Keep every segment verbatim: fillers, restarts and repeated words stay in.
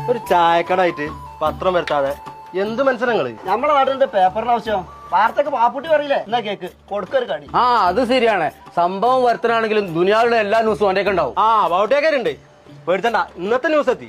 ഒരു ചായക്കടായിട്ട് പത്രം വരുത്താതെ എന്ത് മനസ്സിലങ്ങള് നമ്മുടെ നാട്ടിലെ പേപ്പറിന് ആവശ്യം വാർത്തക്ക് പാപ്പുട്ടി പറയില്ലേ എന്നാ കേക്ക് കൊടുക്കൊരു കടി. ആ അത് ശരിയാണ്. സംഭവം വരുത്തനാണെങ്കിലും ദുനിയാവിലെ എല്ലാ ന്യൂസും അവന്റെ ഉണ്ടാവും. ആ ബൗട്ടേക്കാരുണ്ട്, പേടിച്ചണ്ട. ഇന്നത്തെ ന്യൂസ് എത്തി.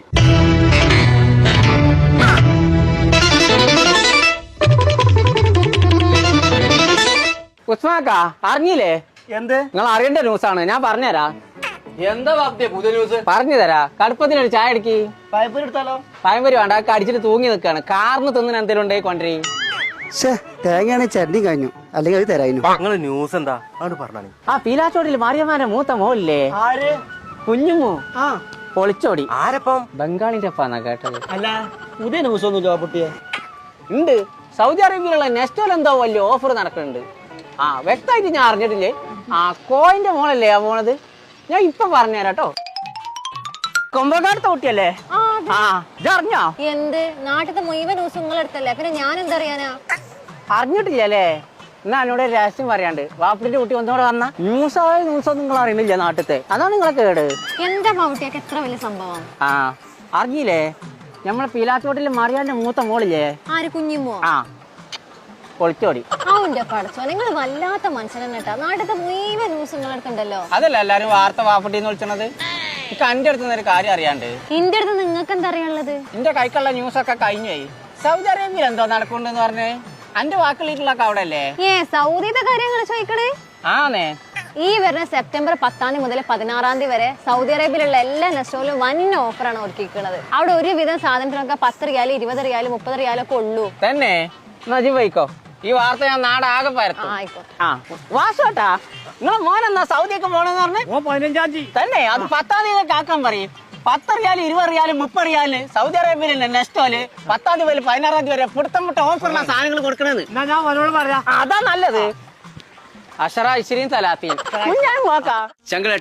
ഉസ്മാക്ക അറിഞ്ഞില്ലേ? എന്ത്? നിങ്ങൾ അറിയേണ്ട ന്യൂസാണ്, ഞാൻ പറഞ്ഞുതരാ. എന്താ ബാപ്തിയെ പുതിയ ന്യൂസ്? പറഞ്ഞു തരാ. കടുപ്പത്തിനൊരു ചായ അടിക്കി. പൈപ്പൂരി എടുത്താലോ? പഴംപൊരി വേണ്ട, അടിച്ചിട്ട് തൂങ്ങി നിൽക്കാണ്. കാറിന് തിന്നിന് എന്തെങ്കിലും ഉണ്ടേ കൊണ്ടേ. തേങ്ങയാണെങ്കിൽ ചട്നി കഴിഞ്ഞു, അല്ലെങ്കിൽ അത് തരായിരുന്നു. നിങ്ങള് ന്യൂസ് എന്താ ആണ് പറഞ്ഞാണ്? ആ പീലാച്ചോടിയിൽ മാറിയമാന്റെ മൂത്ത മോളില്ലേ, ആര്? കുഞ്ഞുമോ? ആ പൊളിച്ചോടി. ആരപ്പം? ബംഗാളിന്റെ അപ്പാന്നാ കേട്ടത്. അല്ല പുതിയ ന്യൂസ് ഒന്നുമില്ല പാപ്പുട്ടിയെ. ഉണ്ട്, സൗദി അറേബ്യയിലുള്ള നെസ്റ്റോയിൽ എന്തോ വലിയ ഓഫർ നടക്കുന്നുണ്ട്. ആ വ്യക്തമായിട്ട് ഞാൻ അറിഞ്ഞിട്ടില്ലേ. ആ കോയിന്റെ മോളല്ലേ ആ പോണത്, ഞാൻ ഇപ്പൊ പറഞ്ഞുതരാം കേട്ടോ. കൊമ്പക്കാടത്തെ കുട്ടിയല്ലേ? ആ ഇതറിഞ്ഞോ? എന്ത് നാട്ടിലത്തെ മുഴുവൻ ന്യൂസ് നിങ്ങളെടുത്തല്ലേ, പിന്നെ ഞാൻ എന്തറിയാനാ? അറിഞ്ഞിട്ടില്ലല്ലേ? എന്നാ എന്നോട് രഹസ്യം പറയാണ്ട്. വാപ്പിന്റെ കുട്ടി ഒന്നുകൂടെ വന്ന ന്യൂസായ ന്യൂസൊന്നും നിങ്ങൾ അറിയണില്ല നാട്ടിലത്തെ, അതാണ് നിങ്ങളെ കേട്. എന്താ പാവട്ടിയൊക്കെ എത്ര വലിയ സംഭവം? ആ അറിഞ്ഞില്ലേ, നമ്മളെ പീലാത്തോട്ടിൽ മറിയാന്റെ മൂത്ത മോളില്ലേ? ആര്? കുഞ്ഞുമോ? ആ പൊളിച്ചോടി. അവന്റെ പഠിച്ചോ, നിങ്ങൾ വല്ലാത്ത മനുഷ്യനെ കേട്ടാ. നാട്ടിലത്തെ മുഴുവൻ ന്യൂസ് നിങ്ങളെടുക്കണ്ടല്ലോ. അതല്ല എല്ലാരും വാർത്ത വാപ്പട്ടിന്ന് വിളിച്ചത്. എനിക്ക് എന്റെ അടുത്ത് ഒരു കാര്യം അറിയാണ്ട്. എന്റെ അടുത്ത് നിങ്ങൾക്ക് എന്താ അറിയാനുള്ളത്? എന്റെ കൈക്കുള്ള ന്യൂസൊക്കെ കഴിഞ്ഞുപോയി. സൗദി അറേബ്യയിൽ എന്തോ നടക്കുന്നുണ്ടെന്ന് പറഞ്ഞേ. എന്റെ വാക്കുകളിലൊക്കെ അവിടെ അല്ലേ? ഏ സൗദിയുടെ കാര്യങ്ങൾ ചോദിക്കണേ. ആന്നേ. ഈ വരുന്ന സെപ്റ്റംബർ പത്താം തീയതി മുതൽ പതിനാറാം തീയതി വരെ സൗദി അറേബ്യയിലുള്ള എല്ലാ നെസ്റ്റോയിലും വൻ ഓഫറാണ് ഒരുക്കിയിരിക്കുന്നത്. അവിടെ ഒരുവിധം സാധനത്തിനൊക്കെ പത്ത് റിയാല്, ഇരുപത് റിയാല്, മുപ്പത് റിയാലൊക്കെ ഉള്ളൂ. തന്നെ നജി പോയിക്കോ. ഈ വാർത്ത ഞാൻ നാടാകെ പരത്തും. ആയിക്കോട്ടെ. ആ വാസോട്ടാ, നിങ്ങളെ മോനെന്നാ സൗദിയൊക്കെ പോണെന്ന് പറഞ്ഞേ? ഓ പതിനഞ്ചാം തീയതി തന്നെ. അത് പത്താം തീയതി ആക്കാൻ പറയും. പത്ത് റിയാല്, ഇരുപത് റിയാല്, മുപ്പത് റിയാല് സൗദി അറേബ്യയിലെ നെസ്റ്റോല് പത്താം തീയതി മുതൽ പതിനാറാം തീയതി വരെ പുടുത്തം മുട്ട ഓഫറുള്ള സാധനങ്ങൾ കൊടുക്കണത്. എന്നാ ഞാൻ അവനോട് പറയാം. അതാ നല്ലത്. അഷറ ഇശ്രീൻ സലാത്തി ഞാൻ നോക്കാം.